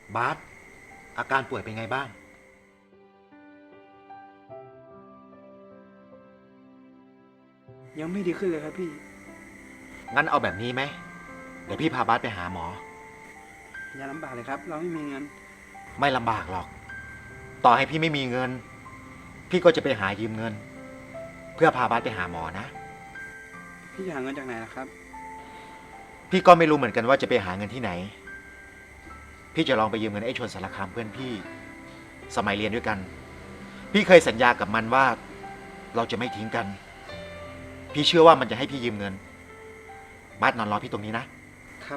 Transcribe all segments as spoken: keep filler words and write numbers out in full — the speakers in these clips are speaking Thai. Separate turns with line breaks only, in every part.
บาสอาการป่วยเป็นไงบ้าง
ยังไม่ดีขึ้นเลยครับพี่
งั้นเอาแบบนี้ไหมเดี๋ยวพี่พาบาสไปหาหมอ
อย่าลำบากเลยครับ เราไม่มีเงิน
ไม่ลำบากหรอก ต่อให้พี่ไม่มีเงิน พี่ก็จะไปหายืมเงิน เพื่อพาบาสไปหาหมอนะ
พี่จะหาเงินจากไหนล่ะครับ
พี่ก็ไม่รู้เหมือนกันว่าจะไปหาเงินที่ไหน พี่จะลองไปยืมเงินไอ้ชนสารคามเพื่อนพี่ สมัยเรียนด้วยกัน พี่เคยสัญญากับมันว่า เราจะไม่ทิ้งกัน พี่เชื่อว่ามันจะให้พี่ยืมเงินบาสนอนรอพี่ตรงนี้นะครับ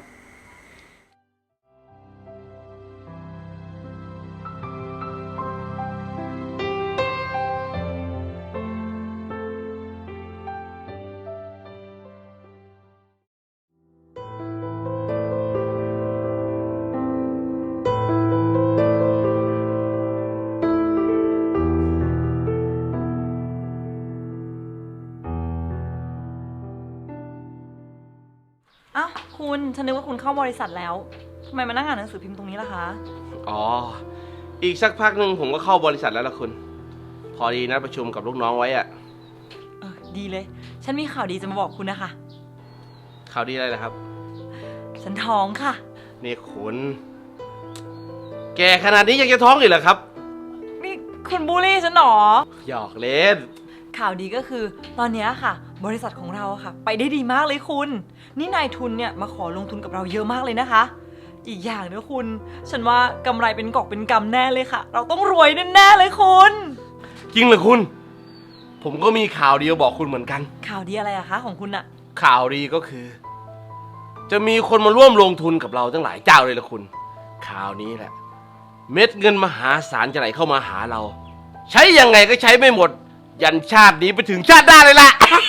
อ้าวคุณฉันนึกว่าคุณเข้าบริษัทแล้วทำไมมานั่งอ่านหนังสือพิมพ์ตรงนี้ล่ะคะ
อ๋ออีกสักพักหนึ่งผมก็เข้าบริษัทแล้วล่ะคุณพอดีนัดประชุมกับลูกน้องไว้อะ
เออดีเลย ฉันมีข่าวดีจะมาบอกคุณนะคะ
ข่าวดีอะไรนะครับ
ฉันท้องค่ะ
นี่คุณแกขนาดนี้ยังจะท้องอีกเหรอครับ
นี่คุณบูลลี่ฉันหรอ
หยอกเล่น
ข่าวดีก็คือตอนนี้ค่ะ บริษัทของเราค่ะ ไปได้ดีมากเลยคุณ นี่นายทุนเนี่ยมาขอลงทุนกับเราเยอะมากเลยนะคะ อีกอย่างนะคุณ ฉันว่ากำไรเป็นกอบเป็นกำแน่เลยค่ะ เราต้องรวยแน่ๆเลยคุณ
จริงเหรอคุณ ผมก็มีข่าวดีมาบอกคุณเหมือนกัน
ข่าวดีอะไรอะคะของคุณอะ
ข่าวดีก็คือ จะมีคนมาร่วมลงทุนกับเราตั้งหลายเจ้าเลยล่ะคุณ ข่าวนี้แหละ เม็ดเงินมหาศาลจะไหลเข้ามาหาเรา ใช้ยังไงก็ใช้ไม่หมด ยันชาตินี้ไปถึงชาติหน้าเลยล่ะ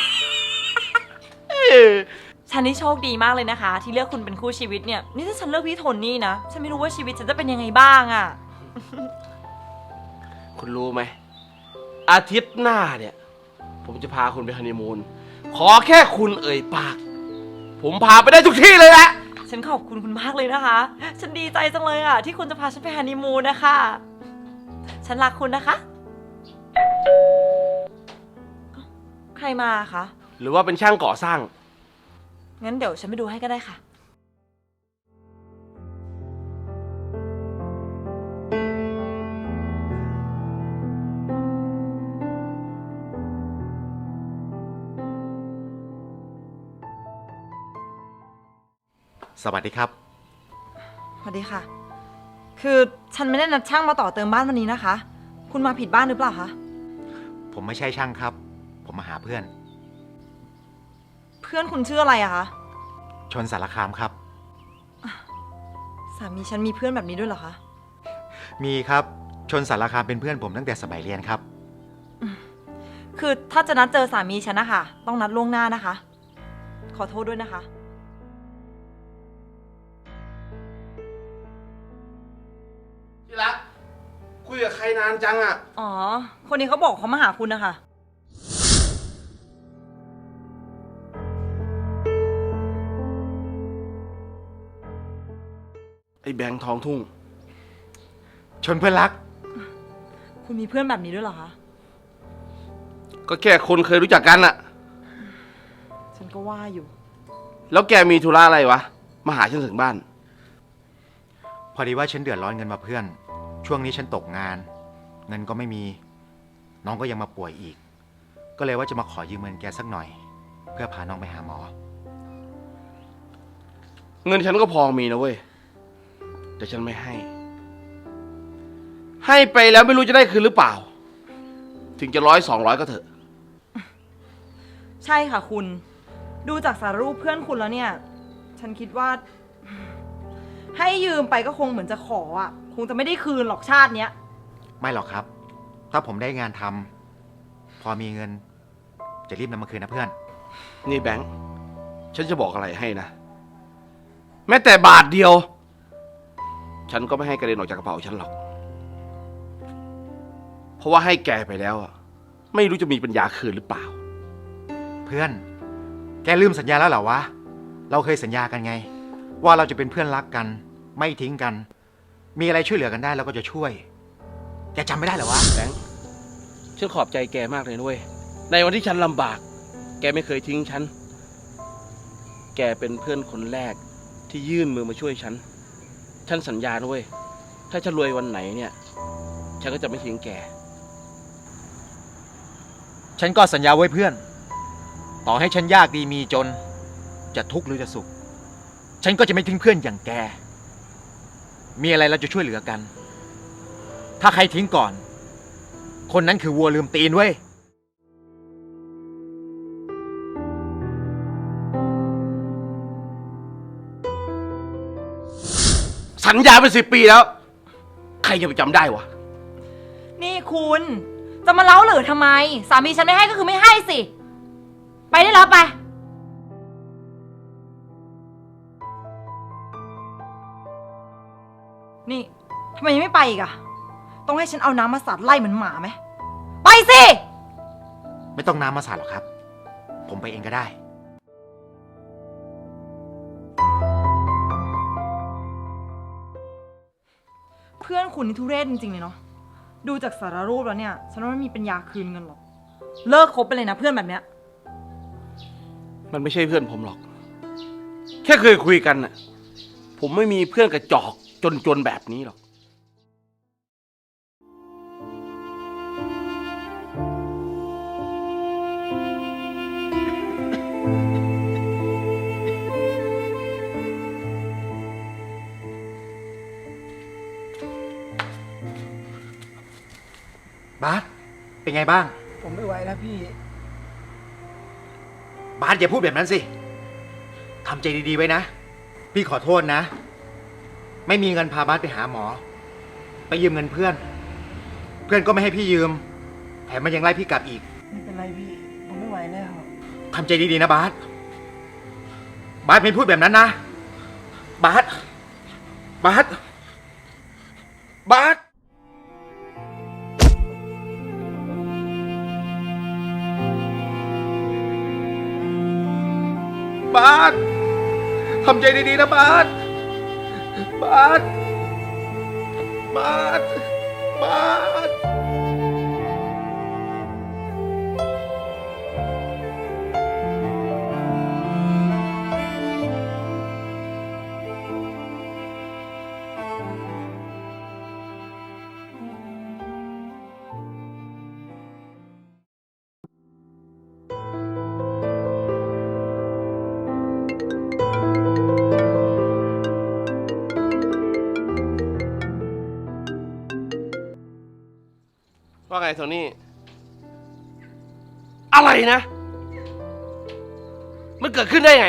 ฉันนี่โชคดีมากเลยนะคะ ที่เลือกคุณเป็นคู่ชีวิตเนี่ย นี่ถ้าฉันเลือกพี่โทนี่นะ ฉันไม่รู้ว่าชีวิตฉันจะเป็นยังไงบ้างอะ
คุณรู้ไหมอาทิตย์หน้าเนี่ย ผมจะพาคุณไปฮันนีมูนขอแค่คุณเอ่ยปาก ผมพาไปได้ทุกที่เลยแหละ
ฉันขอบคุณคุณมากเลยนะคะ ฉันดีใจจังเลยอะที่คุณจะพาฉันไปฮันนีมูนนะคะ ฉันรักคุณนะคะ ใครมาคะ
หรือว่าเป็นช่างก่อสร้าง
งั้นเดี๋ยวฉันไปดูให้ก็ได้ค่ะ
สวัสดีครับ
สวัสดีค่ะ คือฉันไม่ได้นัดช่างมาต่อเติมบ้านวันนี้นะคะ คุณมาผิดบ้านหรือเปล่าคะ
ผมไม่ใช่ช่างครับ ผมมาหาเพื่อน
เพื่อนคุณชื่ออะไรอะคะ
ชนสารคามครับ
สามีฉันมีเพื่อนแบบนี้ด้วยเหรอคะ
มีครับ ชนสารคามเป็นเพื่อนผมตั้งแต่สมัยเรียนครับ
คือถ้าจะนัดเจอสามีฉันนะคะต้องนัดล่วงหน้านะคะ ขอโทษด้วยนะคะ
ที่รัก คุยกับใครนานจังอะ
อ๋อ คนนี้เขาบอกเขามาหาคุณนะคะ
ไอ้แบงค์ทองทุ่ง
ชนเพื่อนรัก
คุณมีเพื่อนแบบนี้ด้วยเหรอคะ
ก็แค่คนเคยรู้จักกันอะ
ฉันก็ว่าอยู่
แล้วแกมีธุระอะไรวะ มาหาฉันถึงบ้าน
พอดีว่าฉันเดือดร้อนเงินมาเพื่อน ช่วงนี้ฉันตกงาน เงินก็ไม่มี น้องก็ยังมาป่วยอีก ก็เลยว่าจะมาขอยืมเงินแกสักหน่อย เพื่อพาน้องไปหาหมอ
เงินฉันก็พอมีนะเว้ย แต่ฉันไม่ให้ ให้ไปแล้วไม่รู้จะได้คืนหรือเปล่า ถึงจะร้อยสองร้อยก็เถอะ
ใช่ค่ะคุณ ดูจากสารรูปเพื่อนคุณแล้วเนี่ย ฉันคิดว่า ให้ยืมไปก็คงเหมือนจะขออ่ะ คงจะไม่ได้คืนหรอกชาติเนี้ย
ไม่หรอกครับ ถ้าผมได้งานทำพอมีเงิน จะรีบนำมาคืนนะเพื่อน
นี่แบงค์ ฉันจะบอกอะไรให้นะ แม้แต่บาทเดียว ฉันก็ไม่ให้กระเด็นออกจากกระเป๋าฉันหรอก เพราะว่าให้แกไปแล้วอะไม่รู้จะมีปัญญาคืนหรือเปล่า
เพื่อน แกลืมสัญญาแล้วเหรอวะ เราเคยสัญญากันไง ว่าเราจะเป็นเพื่อนรักกัน ไม่ทิ้งกันมีอะไรช่วยเหลือกันได้เราก็จะช่วย แกจำไม่ได้เหรอวะ
แบงค์ฉันขอบใจแกมากเลยด้วยในวันที่ฉันลำบาก แกไม่เคยทิ้งฉัน แกเป็นเพื่อนคนแรกที่ยื่นมือมาช่วยฉัน ฉันสัญญาด้วยถ้าฉันรวยวันไหนเนี่ย ฉันก็จะไม่ทิ้งแก
ฉันก็สัญญาไว้เพื่อน ต่อให้ฉันยากดีมีจน จะทุกข์หรือจะสุข ฉันก็จะไม่ทิ้งเพื่อนอย่างแก มีอะไรเราจะช่วยเหลือกัน ถ้าใครทิ้งก่อน คนนั้นคือวัวลืมตีนเว้ย
สัญญาเป็นสิบปีแล้ว ใครจะไปจำได้วะ
นี่คุณจะมาเล้าหรือทำไม สามีฉันไม่ให้ก็คือไม่ให้สิ ไปได้แล้วไป นี่ทำไมยังไม่ไปอีกอะต้องให้ฉันเอาน้ำมาสาดไล่เหมือนหมาไหม ไปสิ
ไม่ต้องน้ำมาสาดหรอกครับ ผมไปเองก็ได้
เพื่อนคุณนี่ทุเรศจริงๆเลยเนาะ ดูจากสารรูปแล้วเนี่ย ฉันว่าไม่มีปัญญาคืนเงินหรอก เลิกคบไปเลยนะเพื่อนแบบเนี้ย
มันไม่ใช่เพื่อนผมหรอก แค่เคยคุยกันน่ะ ผมไม่มีเพื่อนกระจอกจนๆแบบนี้หรอก
บาสเป็นไงบ้าง
ผมไม่ไหวแล้วพี่
บาสอย่าพูดแบบนั้นสิ ทำใจดีๆไว้นะ พี่ขอโทษนะ ไม่มีเงินพาบาสไปหาหมอ ไปยืมเงินเพื่อน เพื่อนก็ไม่ให้พี่ยืม แถมมันยังไล่พี่กลับอีก
ไม่เป็นไรพี่ ผมไม่ไหวแล้ว
ทำใจดีๆนะบาส บาสไม่พูดแบบนั้นนะ บาส บาส บาส บาส ทำใจดีๆนะบาส บาส บาส บาส
ว่าไงโทนี่ อะไรนะ มันเกิดขึ้นได้ไง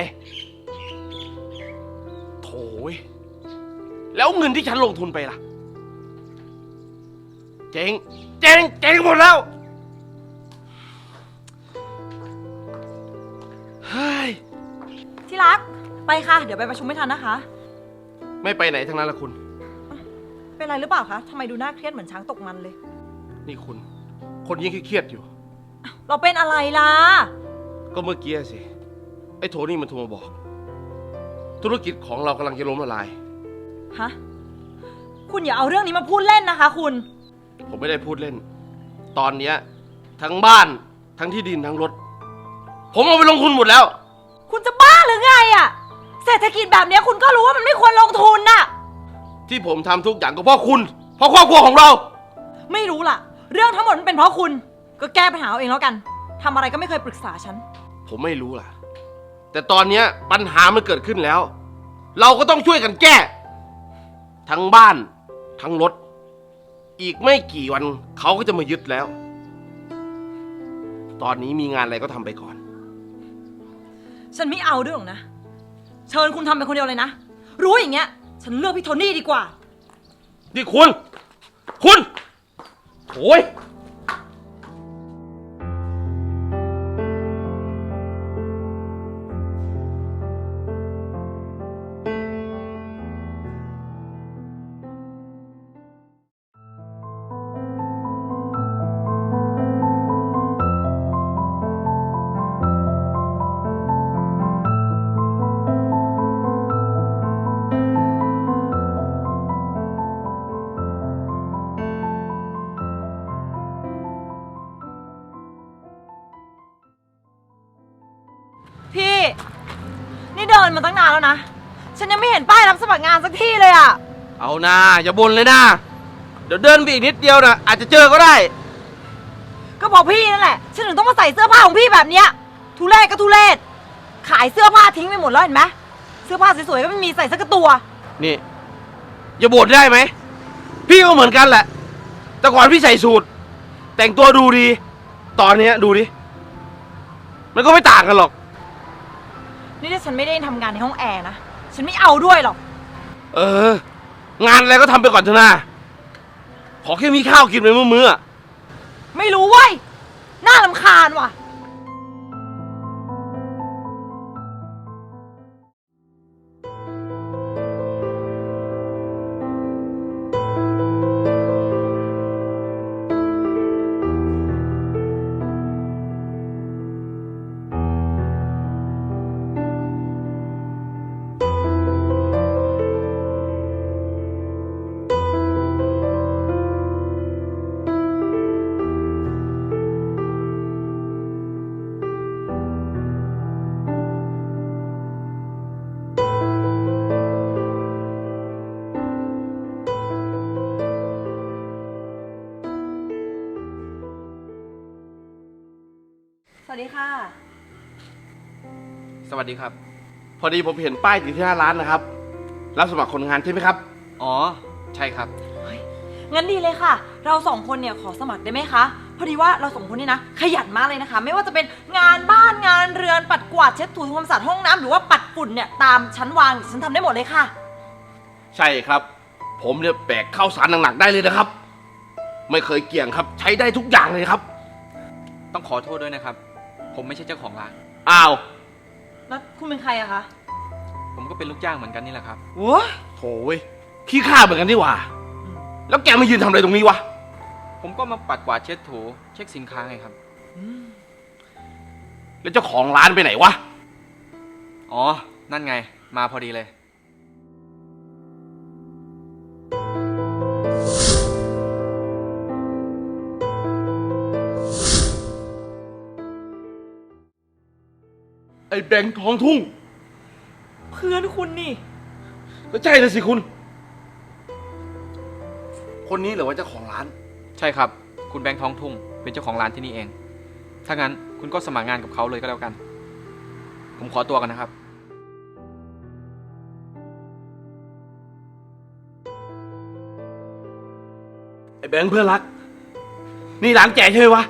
โถ่เว้ยแล้วเงินที่ฉันลงทุนไปล่ะ เจ๊ง เจ๊ง เจ๊งหมดแล้ว เฮ้ย
ที่รัก ไปค่ะ เดี๋ยวไปประชุมไม่ทันนะคะ
ไม่ไปไหนทั้งนั้นละคุณ
เป็นไรหรือเปล่าคะทำไมดูน่าเครียดเหมือนช้างตกมันเลย
นี่คุณ คนยิ่งเครียดอยู่
เราเป็นอะไรล่ะ
ก็เมื่อกี้สิ ไอ้โทนี่มันโทรมาบอก ธุรกิจของเรากำลังจะล้มละลาย
ฮะ คุณอย่าเอาเรื่องนี้มาพูดเล่นนะคะคุณ
ผมไม่ได้พูดเล่น ตอนเนี้ยทั้งบ้านทั้งที่ดินทั้งรถ ผมเอาไปลงทุนหมดแล้ว
คุณจะบ้าหรือไงอะเศรษฐกิจแบบนี้คุณก็รู้ว่ามันไม่ควรลงทุนน่ะ
ที่ผมทำทุกอย่างก็เพราะคุณ เพราะครอบครัวของเรา
ไม่รู้ล่ะ เรื่องทั้งหมดมันเป็นเพราะคุณ ก็แก้ปัญหาเอาเองแล้วกันทำอะไรก็ไม่เคยปรึกษาฉัน
ผมไม่รู้ล่ะ แต่ตอนเนี้ยปัญหามันเกิดขึ้นแล้ว เราก็ต้องช่วยกันแก้ ทั้งบ้านทั้งรถ อีกไม่กี่วันเขาก็จะมายึดแล้ว ตอนนี้มีงานอะไรก็ทำไปก่อน
ฉันไม่เอาด้วยหรอกนะ เชิญคุณทำเป็นคนเดียวเลยนะ รู้อย่างเงี้ย ฉันเลือกพี่โทนี่ดีกว่า
นี่คุณ คุณโถ่ย
มาตั้งนานแล้วนะ ฉันยังไม่เห็นป้ายรับสมัครงานสักที่เลยอะ
เอานะอย่าบ่นเลยนะเดี๋ยวเดินไปอีกนิดเดียวนะอาจจะเจอก็ได้
ก็บอกพี่นั่นแหละ ฉันถึงต้องมาใส่เสื้อผ้าของพี่แบบเนี้ยทุเรศก็ทุเรศขายเสื้อผ้าทิ้งไปหมดแล้วเห็นไหมเสื้อผ้าสวยๆก็ไม่มีใส่สักตัว
นี่อย่าบ่นได้ไหมพี่ก็เหมือนกันแหละ แต่ก่อนพี่ใส่สูทแต่งตัวดูดี ตอนเนี้ยดูดิมันก็ไม่ต่างกันหรอก
นี่ถ้าฉันไม่ได้ทำงานในห้องแอร์นะ ฉันไม่เอาด้วยหรอก
เออ งานอะไรก็ทำไปก่อนเถอะนะขอแค่มีข้าวกินไปมื้อๆอะ
ไม่รู้เว้ย น่ารำคาญว่ะ สวัสดีค่ะ
สวัสดีครับ
พอดีผมเห็นป้ายอยู่ที่หน้าร้านนะครับ รับสมัครคนงานใช่ไหมครับ
อ๋อ ใช่ครับ
งั้นดีเลยค่ะ เราสองคนเนี่ยขอสมัครได้ไหมคะ พอดีว่าเราสองคนนี่นะขยันมากเลยนะคะ ไม่ว่าจะเป็นงานบ้านงานเรือนปัดกวาดเช็ดถูทำความสะอาดห้องน้ำหรือว่าปัดฝุ่นเนี่ยตามชั้นวางฉันทำได้หมดเลยค่ะ
ใช่ครับ ผมเนี่ยแบกข้าวสารหนักๆได้เลยนะครับ ไม่เคยเกี่ยงครับ ใช้ได้ทุกอย่างเลยครับ
ต้องขอโทษด้วยนะครับ ผมไม่ใช่เจ้าของร้าน
อ้าว
แล้วคุณเป็นใครอะคะ
ผมก็เป็นลูกจ้างเหมือนกันนี่แหละครับ
โว้ย
โถ่เว้ยขี้ข้าเหมือนกันนี่หว่า แล้วแกมายืนทำอะไรตรงนี้วะ
ผมก็มาปัดกวาดเช็ดถูเช็คสินค้าไงครับ
แล้วเจ้าของร้านไปไหนวะ
อ๋อ นั่นไง มาพอดีเลย
ไอ้แบงค์ทองทุ่ง
เพื่อนคุณนี่
ก็ใช่เลยสิคุณ คนนี้เหรอว่าเจ้าของร้าน
ใช่ครับ คุณแบงค์ท้องทุ่ง เป็นเจ้าของร้านที่นี่เอง ถ้างั้นคุณก็สมัครงานกับเขาเลยก็แล้วกัน ผมขอตัวกันนะครับ
ไอ้แบงค์เพื่อนรัก นี่ร้านแกใช่ไหมวะ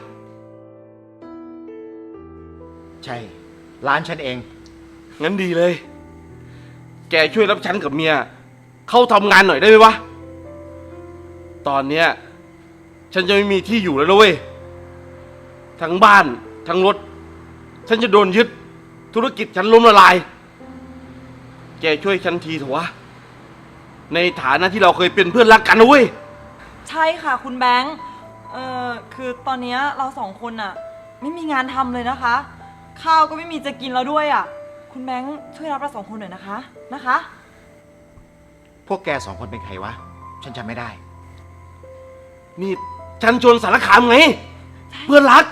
ใช่ ร้านฉันเอง
งั้นดีเลย แกช่วยรับฉันกับเมีย เข้าทำงานหน่อยได้ไหมวะ ตอนเนี้ยฉันจะไม่มีที่อยู่แล้วนะเว้ย ทั้งบ้าน ทั้งรถ ฉันจะโดนยึด ธุรกิจฉันล้มละลาย แกช่วยฉันทีเถอะวะ ในฐานะที่เราเคยเป็นเพื่อนรักกันนะเว้ย
ใช่ค่ะคุณแบงค์ เอ่อ คือตอนเนี้ยเราสองคนอะไม่มีงานทำเลยนะคะ ข้าวก็ไม่มีจะกินแล้วด้วยอะคุณแบงค์ช่วยรับเราสองคนหน่อยนะคะ นะคะ
พวกแกสองคนเป็นใครวะ ฉันจำไม่ได้
นี่ฉันชวนสารคามไง เพื่อนรัก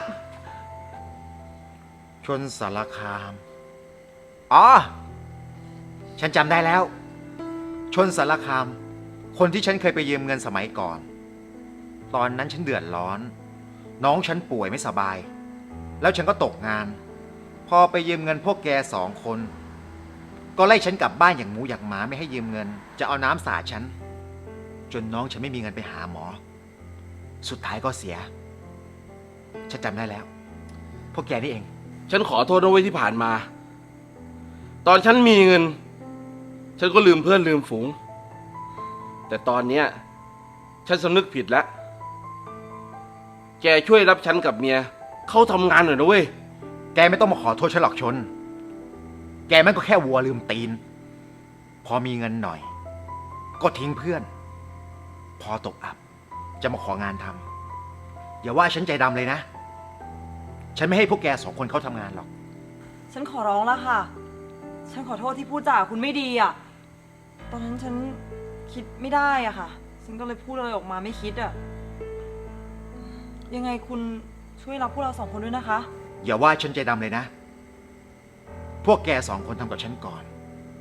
ชนสารคาม อ๋อ ฉันจำได้แล้ว ชนสารคาม คนที่ฉันเคยไปยืมเงินสมัยก่อน ตอนนั้นฉันเดือดร้อน น้องฉันป่วยไม่สบาย แล้วฉันก็ตกงาน พอไปยืมเงินพวกแกสองคน ก็ไล่ฉันกลับบ้านอย่างหมูอย่างหมาไม่ให้ยืมเงิน จะเอาน้ำสาดฉัน จนน้องฉันไม่มีเงินไปหาหมอ สุดท้ายก็เสีย ฉันจำได้แล้ว พวกแกนี่เอง
ฉันขอโทษนะเว้ยที่ผ่านมา ตอนฉันมีเงิน ฉันก็ลืมเพื่อนลืมฝูง แต่ตอนเนี้ยฉันสำนึกผิดแล้ว แกช่วยรับฉันกับเมีย เข้าทำงานหน่อยนะเว้ย
แกไม่ต้องมาขอโทษฉันหรอกชน แกมันก็แค่วัวลืมตีน พอมีเงินหน่อย ก็ทิ้งเพื่อน พอตกอับ จะมาของานทำอย่าว่าฉันใจดำเลยนะ ฉันไม่ให้พวกแกสองคนเข้าทำงานหรอก
ฉันขอร้องแล้วค่ะ ฉันขอโทษที่พูดจาคุณไม่ดีอะตอนนั้นฉันคิดไม่ได้อะค่ะ ฉันก็เลยพูดอะไรออกมาไม่คิดอะยังไงคุณช่วยรับพวกเราสองคนด้วยนะคะ
อย่าว่าฉันใจดำเลยนะ พวกแกสองคนทำกับฉันก่อน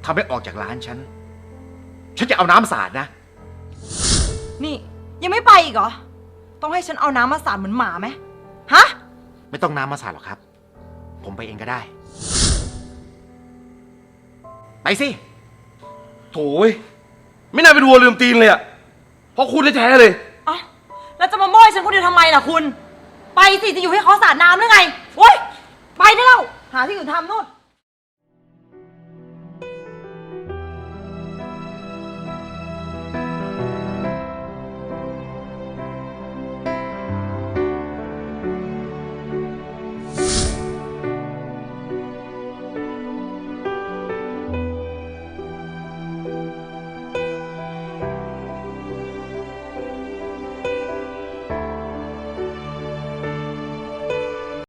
ทำให้ออกจากร้านฉัน ฉันจะเอาน้ำสาดนะ
นี่ยังไม่ไปอีกเหรอ ต้องให้ฉันเอาน้ำมาสาดเหมือนหมาไหมฮะ
ไม่ต้องน้ำมาสาดหรอกครับ ผมไปเองก็ได้ ไปสิ
โถ่เว้ยไม่น่าเป็นวัวลืมตีนเลยอะเพราะคุณแท้ๆเลย
อ๋อแล้วจะมาโม้ยฉันคนเดียวทำไมล่ะคุณ ไปสิ จะอยู่ให้เขาสาดน้ำหรือไงโอ๊ยไปได้แล้ว หาที่อื่นทำนู่น